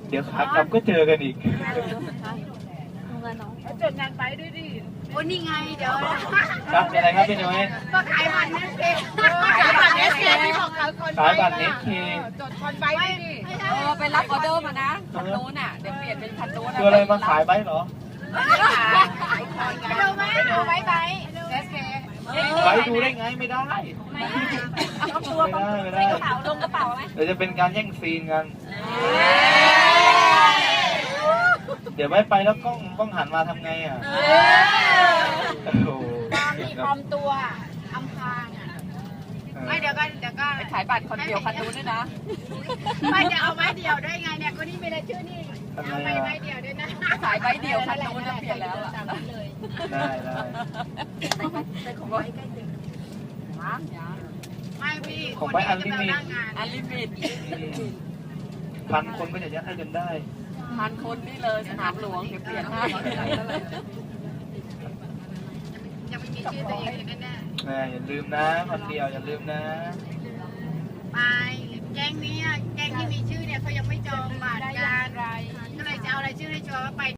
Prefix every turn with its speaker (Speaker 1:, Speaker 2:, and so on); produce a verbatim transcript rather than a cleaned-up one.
Speaker 1: เดี๋ยวขากลับก็เจอกันอีก
Speaker 2: จดงานไปด้วยดิโอ้นี่ไงเดี๋ยว
Speaker 1: ครับเป็นไรครับพี่น้อย
Speaker 2: ก็ขายบัตรเนสเคขายบัตรเนสเคที่บอกเขาคน
Speaker 1: ขายบัตรเนสเค
Speaker 2: จดคอนไปด้วยดิเออไปรับออเดอร์มานะคันนู้นอ่ะเดี๋ยวเปลี่ยนเป็นคันนู้น
Speaker 1: คืออะไรมาขายใบเหรอ
Speaker 2: ไปดูไหมดูไว้ใบเนสเค
Speaker 1: ใบดูได้ไงไม่ได้ไม่ได้ไม่ได้
Speaker 2: กระเป๋าลงกระเป๋าไหม
Speaker 1: เดี๋ยวจะเป็นการแย่งซีนกันเดี๋ยวไม่ไปแล้วกล้องกล้องหันมาทำไงอ่ะโอ้โห
Speaker 2: มีปลอมตัวอำพรางอ่ะไม่เดี๋ยวก็เดี๋ยวก็ไปขายบัตรคนเดียวคันนู้นด้วยนะไม่จะเอาไม้เดียวได้ไงเนี่ยคนนี้ไม่ได้ชื่อนี่เอาไม้ไม้เดียวด้วยนะขายใบเดียวคันนู้นจะเปลี่ยนแล้ว
Speaker 1: ได้ได้
Speaker 2: แต่ของไว้ใกล้ตึกไม่พี่
Speaker 1: ของไว้อันลิมิต
Speaker 2: อันลิมิต
Speaker 1: พันคนก็จะยัดให้จนได้
Speaker 2: พันคนนี่เลยสนามหลวงเดี๋ยวเปลี่ยนให้ยังไม่มีชื่อตัวเองเลยแน่
Speaker 1: ๆแม่อย่าลืมนะคนเดียวอย่าลืมนะ
Speaker 2: ไปแก๊งนี้แก๊งที่มีชื่อเนี่ยเขายังไม่จองบัตรกันก็เลยจะเอาอะไรชื่อให้ชัวร์ว่าไป